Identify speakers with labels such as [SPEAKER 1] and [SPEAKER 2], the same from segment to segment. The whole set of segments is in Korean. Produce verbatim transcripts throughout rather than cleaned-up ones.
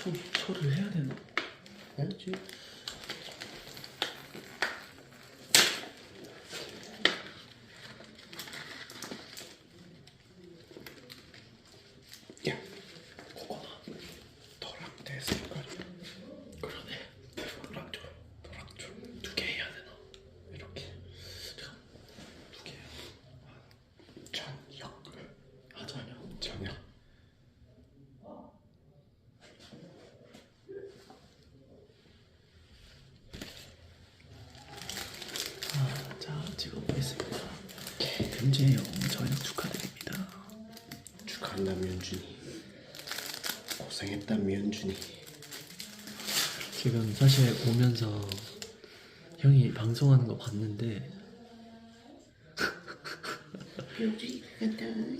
[SPEAKER 1] 초, 초를 해야 되나?
[SPEAKER 2] 해야지. 야, 그거나 도락대 색깔이야.
[SPEAKER 1] 그러네.
[SPEAKER 2] 도락조, 도락조
[SPEAKER 1] 두 개 해야 되나?
[SPEAKER 2] 이렇게.
[SPEAKER 1] 잠깐, 두 개요.
[SPEAKER 2] 저녁,
[SPEAKER 1] 아, 전혀.
[SPEAKER 2] 저녁.
[SPEAKER 1] 아, 자, 찍어보겠습니다. 금지형 저녁 축하드립니다.
[SPEAKER 2] 축하한다 면준이. 고생했다 면준이.
[SPEAKER 1] 지금 사실 오면서 형이 방송하는 거 봤는데
[SPEAKER 2] 면준이 간다.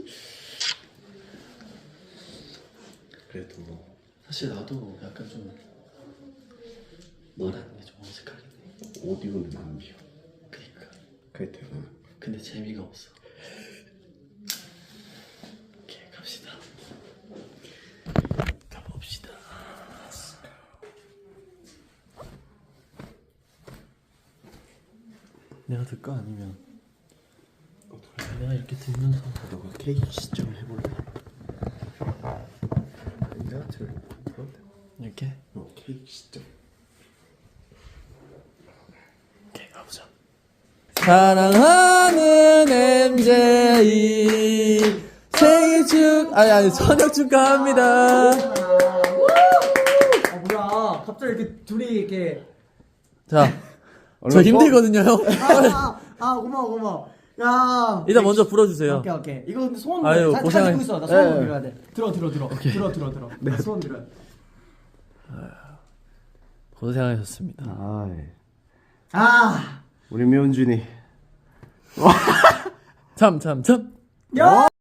[SPEAKER 2] 그래도 뭐
[SPEAKER 1] 사실 나도 약간 좀 말하는 게 좀 어색하긴 해.
[SPEAKER 2] 옷 입으면 안 비워.
[SPEAKER 1] 그니까.
[SPEAKER 2] 그래도
[SPEAKER 1] 근데 재미가 없어. 오케이, 갑시다. 가봅시다. 내가 들까 아니면 내가 이렇게 들면서
[SPEAKER 2] 너가 케이크 시점 해볼래? 내가 들
[SPEAKER 1] 이렇게
[SPEAKER 2] 어 케이크 시점.
[SPEAKER 1] 오케이, 가보자. 사랑하는 엠제이 생일 축 아니 아니 저녁 축하합니다.
[SPEAKER 3] 아 뭐야 갑자기 이렇게 둘이 이렇게
[SPEAKER 1] 자, 저 힘들거든요, 형.
[SPEAKER 3] 아, 아, 아 고마워 고마워 야
[SPEAKER 1] 일단 먼저 불어주세요.
[SPEAKER 3] 오케이 오케이 이거 근데 소원
[SPEAKER 1] 아유,
[SPEAKER 3] 잘,
[SPEAKER 1] 고생하-
[SPEAKER 3] 잘 듣고 있어 나 소원
[SPEAKER 1] 예.
[SPEAKER 3] 들어야 돼 들어 들어 들어 들어 들어 들어 나 소원 들어야 돼
[SPEAKER 1] 고생하셨습니다.
[SPEAKER 2] 아,
[SPEAKER 3] 아
[SPEAKER 2] 우리 면준이.
[SPEAKER 1] 참, 참, 참.
[SPEAKER 3] 야!